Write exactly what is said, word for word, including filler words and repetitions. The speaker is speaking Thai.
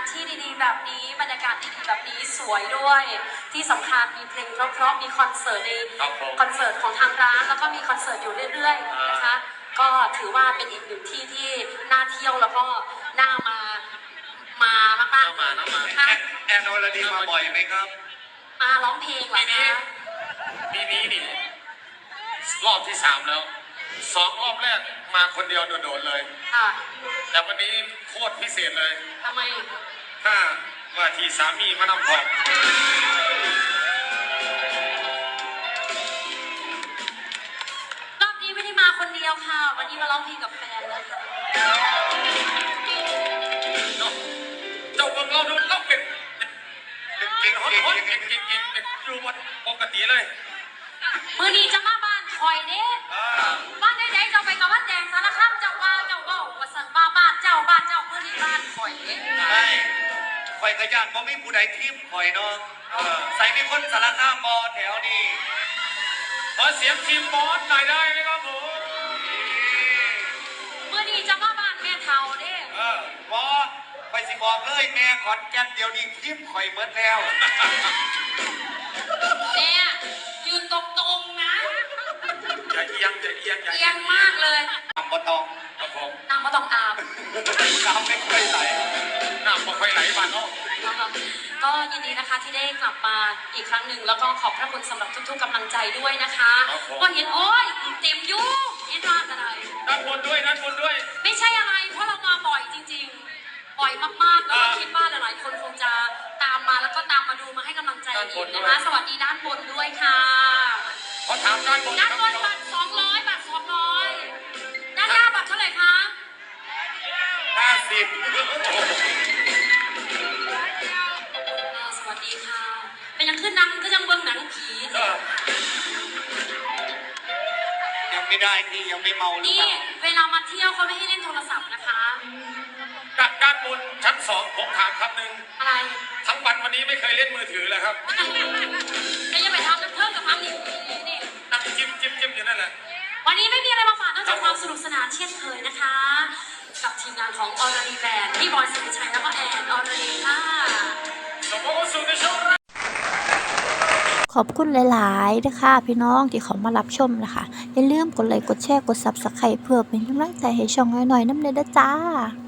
ที่ดีๆแบบนี้บรรยากาศดีๆแบบนี้สวยด้วยที่สำคัญมีเพลงเพราะๆมีคอนเสิร์ตในคอนเสิร์ตของทางร้านแล้วก็มีคอนเสิร์ตอยู่เรื่อยๆนะคะก็ถือว่าเป็นอีกหนึ่งที่ที่น่าเที่ยวแล้วก็น่ามามามากๆมามาแอนอรดีมาบ่อยไหมครับมาร้องเพลงเหรอคะปีนี้นี่รอบที่สามแล้วสองรอบแรกมาคนเดียวโดดๆเลยค่ะแต่วันนี้โคตรพิเศษเลยทำไมถ้าว่าที่สามีมานำของรอบนี้ไม่ได้มาคนเดียวค่ะวันนี้มาร้องเพลงกับแฟนเลยค่ะเจ้าเบิ่งเราดูเราเป็นเป็นเก่งเก่งเก่งเก่งเก่งเป็นอยู่วันปกติเลยมือนี้จะมาบ้านคอยเด้บ้านไหนๆเจ้าไปกับบ้านแดงสารคามเจ้าว่าเจ้าเบ้าว่าสันว่าบ้านเจ้าบ้านเจ้ามือนี้บ้านคอยเด้ใช่คอยกระยานบ่มีผู้ใดทีมคอยเนาะใส่มีคนสารคามบอแถวนี้ขอเสียงทีมบอสหน่อยได้ไหมครับผมมือนี้จะมาบ้านแม่เฒ่าเด้เออบอไปสิบอกเลยแม่ขอนแก่นเดี๋ยวนี้ทีมคอยเบิดแล้วเนี่ยยืนตรงๆนะอย่าเอียงอย่าเอียงเอียงมากเลยน้ำบ่ตองครับผมน้ำบ่ต้องอาบน้ำไม่ค่อยไหลน้ำไม่ค่อยไหลบ้านเนาะก็ยินดีนะคะที่ได้กลับมาอีกครั้งหนึ่งแล้วก็ขอบพระคุณสำหรับทุกๆกำลังใจด้วยนะคะก็เห็นโอ้ยเต็มยุ่งเห็นว่าอะไรด้านบนด้วยด้านบนด้วยไม่ใช่อะไรเพราะเรามาบ่อยจริงๆบ่อยมากๆแล้วก็คิดว่าหลายๆคนคงจะตามมาแล้วก็ตามมาดูมาให้กำลังใจอีกนะคะสวัสดีด้านบนด้วยค่ะขอถามด้านบนด้านบนบัตรสองร้อยบัตรสองร้อยด้านหน้าบัตรเท่าไหร่คะห้าสิบสวัสดีค่ะเป็นยังขึ้นนังก็ยังเบิ้งหนังผียังไม่ได้ที่ยังไม่เมาหรือเปล่านี่เวลามาเที่ยวเขาไม่ให้เล่นโทรศัพท์นะคะด้านบนชั้นสองผมถามคำหนึ่งอะไรทั้งวันวันนี้ไม่เคยเล่นมือถือเลยครับก็ยังไปทำน้ำเพิ่มกับทำนี่นี่นั่งจิ้มจิ้มจิ้มอยู่นั่นแหละวันนี้ไม่มีอะไรมาฝากนอกจากความสนุกสนานเช่นเคยนะคะกับทีมงานของออร์ดีแบนด์พี่บอยสิริชัยแล้วก็แอนออร์ดีค่ะขอบคุณหลายๆนะคะพี่น้องที่เขามารับชมนะคะอย่าลืมกดไลค์กดแชร์กดซับสไครป์เพื่อเป็นกำลังใจให้ช่องน้อยๆน้ำเด้อจ้า